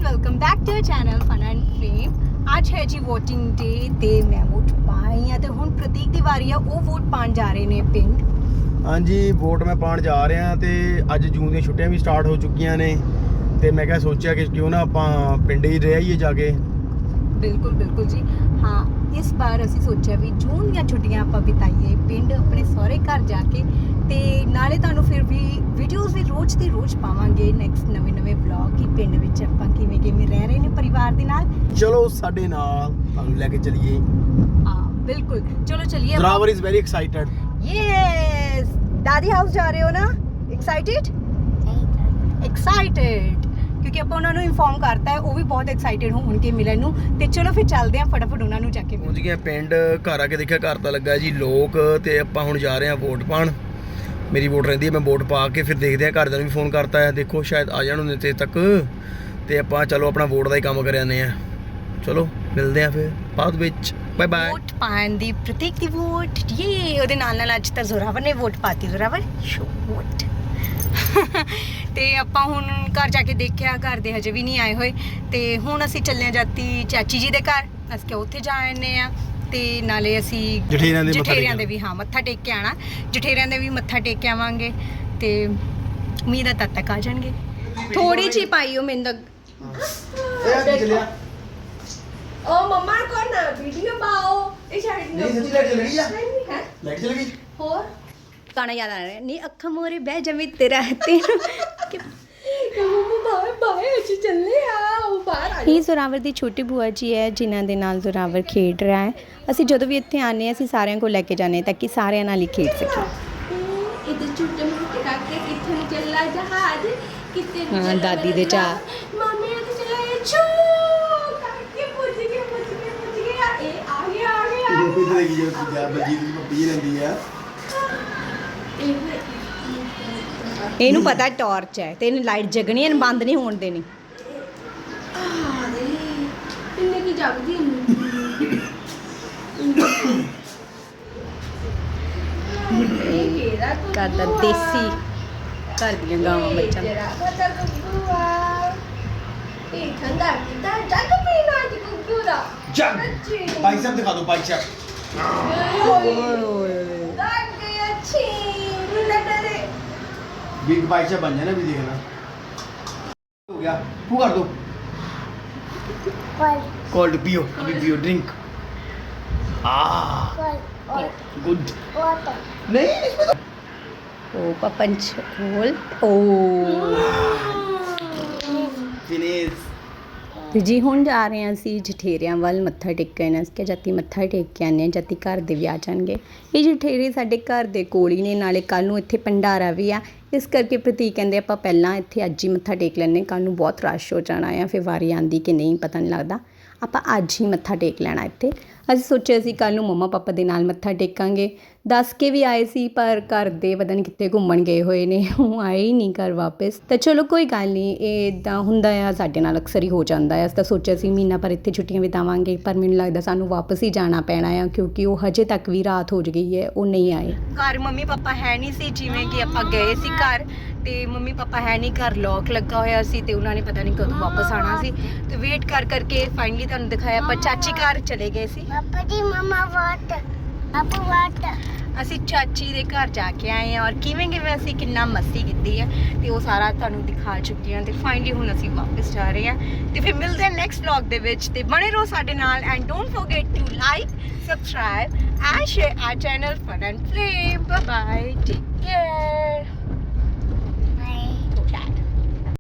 Welcome back to channel fun and flame. ਅੱਜ ਹੈ ਜੀ ਵੋਟਿੰਗ ਡੇ ਤੇ ਮੈਂ ਵੋਟ ਪਾਈ ਆ ਤੇ ਹੁਣ ਪ੍ਰਤੀਕ ਦੀ ਵਾਰੀ ਆ, ਉਹ ਵੋਟ ਪਾਣ ਜਾ ਰਹੇ ਨੇ ਪਿੰਡ। ਹਾਂਜੀ ਵੋਟ ਮੈਂ ਪਾਣ ਜਾ ਰਿਹਾ ਤੇ ਅੱਜ ਜੂਨ ਦੀਆਂ ਛੁੱਟੀਆਂ ਵੀ ਸਟਾਰਟ ਹੋ ਚੁੱਕੀਆਂ ਨੇ ਤੇ ਮੈਂ ਕਿਹਾ ਸੋਚਿਆ ਕਿ ਕਿਉਂ ਨਾ ਆਪਾਂ ਪਿੰਡ ਹੀ ਰਹਿ ਆਈਏ ਜਾ ਕੇ। ਬਿਲਕੁਲ ਜੀ ਹਾਂ, ਇਸ ਵਾਰ ਅਸੀਂ ਸੋਚਿਆ ਵੀ ਜੂਨ ਦੀਆਂ ਛੁੱਟੀਆਂ ਆਪਾਂ ਬਿਤਾਈਏ ਪਿੰਡ ਆਪਣੇ ਸਹੁਰੇ ਘਰ ਜਾ ਕੇ, ਤੇ ਨਾਲੇ ਤੁਹਾਨੂੰ ਫਿਰ ਵੀ ਵੀਡੀਓਜ਼ ਵੀ ਰੋਜ਼ ਦੀ ਰੋਜ਼ ਪਾਵਾਂਗੇ, ਨੈਕਸਟ ਨਵੇਂ ਵਲੌਗ ਕਿ ਪਿੰਡ ਵਿੱਚ ਆਪਾਂ ਕਿਵੇਂ ਰਹਿ ਰਹੇ ਨੇ ਪਰਿਵਾਰ ਦੇ ਨਾਲ। ਚਲੋ ਸਾਡੇ ਨਾਲ ਤੁਹਾਨੂੰ ਲੈ ਕੇ ਚਲੀਏ। ਹਾਂ ਬਿਲਕੁਲ, ਚਲੋ ਚਲਿਏ। Zorawar is very excited. Yes, dadi house ਜਾ ਰਹੇ ਹੋ ਨਾ? ਐਕਸਾਈਟਡ ਕਿਉਂਕਿ ਆਪਾਂ ਉਹਨਾਂ ਨੂੰ ਇਨਫੋਰਮ ਕਰਤਾ ਹੈ, ਉਹ ਵੀ ਬਹੁਤ ਐਕਸਾਈਟਡ ਹੋਣਗੇ ਮਿਲਣ ਨੂੰ। ਤੇ ਚਲੋ ਫਿਰ ਚੱਲਦੇ ਆਂ ਫਟਾਫਟ ਉਹਨਾਂ ਨੂੰ ਜਾ ਕੇ ਪਹੁੰਚ ਗਏ ਪਿੰਡ। ਘਰ ਆ ਕੇ ਦੇਖਿਆ ਘਰ ਤਾਂ ਲੱਗਾ ਜੀ ਲੋਕ, ਤੇ ਆਪਾਂ ਹੁਣ ਜਾ ਰਹੇ ਹਾਂ ਵੋਟ ਪਾਣ। ਮੇਰੀ ਵੋਟ ਰਹਿੰਦੀ ਹੈ, ਮੈਂ ਵੋਟ ਪਾ ਕੇ ਫਿਰ ਦੇਖਦੇ ਹਾਂ। ਘਰਦਿਆਂ ਨੂੰ ਵੀ ਫੋਨ ਕਰਤਾ ਹੈ, ਦੇਖੋ ਸ਼ਾਇਦ ਆ ਜਾਣ ਉਹਨੇ ਤੱਕ, ਤੇ ਆਪਾਂ ਚਲੋ ਆਪਣਾ ਵੋਟ ਦਾ ਹੀ ਕੰਮ ਕਰ ਆਉਂਦੇ ਹਾਂ। ਚਲੋ ਮਿਲਦੇ ਹਾਂ ਫਿਰ ਬਾਅਦ ਵਿੱਚ। Bye bye. ਵੋਟ ਪਾਣ ਦੀ ਪ੍ਰਤੀਕ ਦੀ ਵੋਟ, ਉਹਦੇ ਨਾਲ ਅੱਜ ਤਾਂ ਜ਼ੋਰਾਵਰ ਨੇ ਵੋਟ ਪਾਤੀ। Zorawar show vote. ਤੇ ਆਪਾਂ ਹੁਣ ਘਰ ਜਾ ਕੇ ਦੇਖਿਆ, ਘਰ ਦੇ ਹਜੇ ਵੀ ਨਹੀਂ ਆਏ ਹੋਏ, ਤੇ ਹੁਣ ਅਸੀਂ ਚੱਲੇ ਹਾਂ ਜਾਤੀ ਚਾਚੀ ਜੀ ਦੇ ਘਰ। ਅਸੀਂ ਕਿ ਉੱਥੇ ਜਾ ਆਨੇ ਆ, ਤੇ ਨਾਲੇ ਅਸੀਂ ਜਠੇਰਿਆਂ ਦੇ ਵੀ ਮੱਥਾ ਟੇਕ ਕੇ ਆਣਾ। ਜਠੇਰਿਆਂ ਦੇ ਵੀ ਮੱਥਾ ਟੇਕ ਕੇ ਆਵਾਂਗੇ, ਤੇ ਉਮੀਦ ਹੈ ਤਦ ਤੱਕ ਆ ਜਾਣਗੇ। ਥੋੜੀ ਜਿਹੀ ਪਾਈਓ ਮੈਨੂੰ ਉਹ ਮੰਮਾ ਕੋ ਨਾ ਵੀਡੀਓ ਪਾਓ। ਇਹ ਸਾਈਡ ਨਹੀਂ ਸੱਚੀ ਲੈ ਚਲ ਗਈ ਆ, ਲੈ ਚਲ ਗਈ। ਹੋਰ ਗਾਣਾ ਯਾਦ ਆ ਰਿਹਾ ਨਹੀਂ, ਅੱਖਾਂ ਮੋਰੇ ਬਹਿ ਜਮੀ ਤੇਰਾ ਤੈਨੂੰ ਇਹ ਜ਼ੋਰਾਵਰ ਦੀ ਛੋਟੀ ਭੂਆ ਜੀ ਹੈ, ਜਿਨ੍ਹਾਂ ਦੇ ਨਾਲ ਜ਼ੋਰਾਵਰ ਖੇਡ ਰਿਹਾ ਹੈ। ਅਸੀਂ ਜਦੋਂ ਵੀ ਇੱਥੇ ਆਉਂਦੇ ਹਾਂ, ਅਸੀਂ ਸਾਰਿਆਂ ਕੋਲ ਲੈ ਕੇ ਜਾਂਦੇ ਹਾਂ ਤਾਂ ਕਿ ਸਾਰਿਆਂ ਨਾਲ ਹੀ ਖੇਡ ਸਕੇ। ਹਾਂ ਦਾਦੀ ਦੇ ਚਾਹ। ਇਹਨੂੰ ਪਤਾ ਟਾਰਚ ਹੈ ਤੇ ਇਹਨੂੰ ਲਾਈਟ ਜਗਣੀ ਹੈ, ਬੰਦ ਨਹੀਂ ਹੋਣ ਦੇਣੀ। ਇਹਨੇ ਕੀ ਜਗਦੀ ਕਰਦਾ ਦੇਸੀ ਘਰ ਦੀਆਂ ਗਾਵਾਂ ਬੱਚਾ। ਬਾਈਸੈਪ ਦਿਖਾ ਦਿਓ, ਬਾਈਸੈਪ। बिग बाइसेप बन जाए ना, भी देखना हो गया। वो कर दो कोल्ड पियो, अभी पियो ड्रिंक। गुड नहीं इसमें तो ओ पंच होल ओ फिनिश। ਤੇ ਜੀ ਹੁਣ ਜਾ ਰਹੇ ਹਾਂ ਅਸੀਂ ਜਠੇਰਿਆਂ ਵੱਲ ਮੱਥਾ ਟੇਕਣ। ਅਸੀਂ ਜਾਤੀ ਮੱਥਾ ਟੇਕ ਕੇ ਆਉਂਦੇ ਹਾਂ, ਜਾਤੀ ਘਰ ਦੇ ਵੀ ਆ ਜਾਣਗੇ। ਇਹ ਜਠੇਰੇ ਸਾਡੇ ਘਰ ਦੇ ਕੋਲ ਹੀ ਨੇ, ਨਾਲੇ ਕੱਲ੍ਹ ਨੂੰ ਇੱਥੇ ਭੰਡਾਰਾ ਵੀ ਆ, ਇਸ ਕਰਕੇ ਪ੍ਰਤੀਕ ਕਹਿੰਦੇ ਆਪਾਂ ਪਹਿਲਾਂ ਇੱਥੇ ਅੱਜ ਹੀ ਮੱਥਾ ਟੇਕ ਲੈਂਦੇ, ਕੱਲ੍ਹ ਨੂੰ ਬਹੁਤ ਰਸ਼ ਹੋ ਜਾਣਾ ਆ, ਫਿਰ ਵਾਰੀ ਆਉਂਦੀ ਕਿ ਨਹੀਂ ਪਤਾ ਨਹੀਂ ਲੱਗਦਾ। ਆਪਾਂ ਅੱਜ ਹੀ ਮੱਥਾ ਟੇਕ ਲੈਣਾ ਇੱਥੇ। ਅਸੀਂ ਸੋਚਿਆ ਸੀ ਕੱਲ੍ਹ ਨੂੰ ਮੰਮਾ ਪਾਪਾ ਦੇ ਨਾਲ ਮੱਥਾ ਟੇਕਾਂਗੇ। ਦੱਸ ਕੇ ਵੀ ਆਏ ਸੀ, ਪਰ ਘਰ ਦੇ ਪਤਾ ਨਹੀਂ ਕਿੱਥੇ ਘੁੰਮਣ ਗਏ ਹੋਏ ਨੇ, ਉਹ ਆਏ ਹੀ ਨਹੀਂ ਘਰ ਵਾਪਸ। ਤਾਂ ਚਲੋ ਕੋਈ ਗੱਲ ਨਹੀਂ, ਇਹ ਇੱਦਾਂ ਹੁੰਦਾ ਆ, ਸਾਡੇ ਨਾਲ ਅਕਸਰ ਹੀ ਹੋ ਜਾਂਦਾ ਆ। ਅਸੀਂ ਤਾਂ ਸੋਚਿਆ ਸੀ ਮਹੀਨਾ ਪਰ ਇੱਥੇ ਛੁੱਟੀਆਂ ਬਿਤਾਵਾਂਗੇ, ਪਰ ਮੈਨੂੰ ਲੱਗਦਾ ਸਾਨੂੰ ਵਾਪਸ ਹੀ ਜਾਣਾ ਪੈਣਾ ਆ, ਕਿਉਂਕਿ ਉਹ ਹਜੇ ਤੱਕ ਵੀ ਰਾਤ ਹੋ ਗਈ ਹੈ, ਉਹ ਨਹੀਂ ਆਏ। ਘਰ ਮੰਮੀ ਪਾਪਾ ਹੈ ਨਹੀਂ ਸੀ, ਜਿਵੇਂ ਕਿ ਆਪਾਂ ਗਏ ਸੀ ਘਰ, ਤੇ ਮੰਮੀ ਪਾਪਾ ਹੈ ਨਹੀਂ ਘਰ, ਲੋਕ ਲੱਗਾ ਹੋਇਆ ਸੀ, ਤੇ ਉਹਨਾਂ ਨੇ ਪਤਾ ਨਹੀਂ ਕਦੋਂ ਵਾਪਸ ਆਉਣਾ ਸੀ। ਤੇ ਵੇਟ ਕਰਕੇ ਫਾਈਨਲੀ ਤੁਹਾਨੂੰ ਦਿਖਾਇਆ, ਆਪਾਂ ਚਾਚੀ ਘਰ ਚਲੇ ਗਏ ਸੀ। ਅਸੀਂ ਚਾਚੀ ਦੇ ਘਰ ਜਾ ਕੇ ਆਏ ਹਾਂ, ਔਰ ਕਿਵੇਂ ਅਸੀਂ ਕਿੰਨਾ ਮਸਤੀ ਕੀਤੀ ਹੈ, ਤੇ ਉਹ ਸਾਰਾ ਤੁਹਾਨੂੰ ਦਿਖਾ ਚੁੱਕੀ ਹਾਂ। ਤੇ ਫਾਈਨਲੀ ਹੁਣ ਅਸੀਂ ਵਾਪਸ ਜਾ ਰਹੇ ਹਾਂ, ਤੇ ਫਿਰ ਮਿਲਦੇ ਹਾਂ ਨੈਕਸਟ ਵਲੌਗ ਦੇ ਵਿੱਚ। ਤੇ ਬਣੇ ਰਹੋ ਸਾਡੇ ਨਾਲ, and don't forget to like, subscribe and share our channel fun and flame. Bye bye.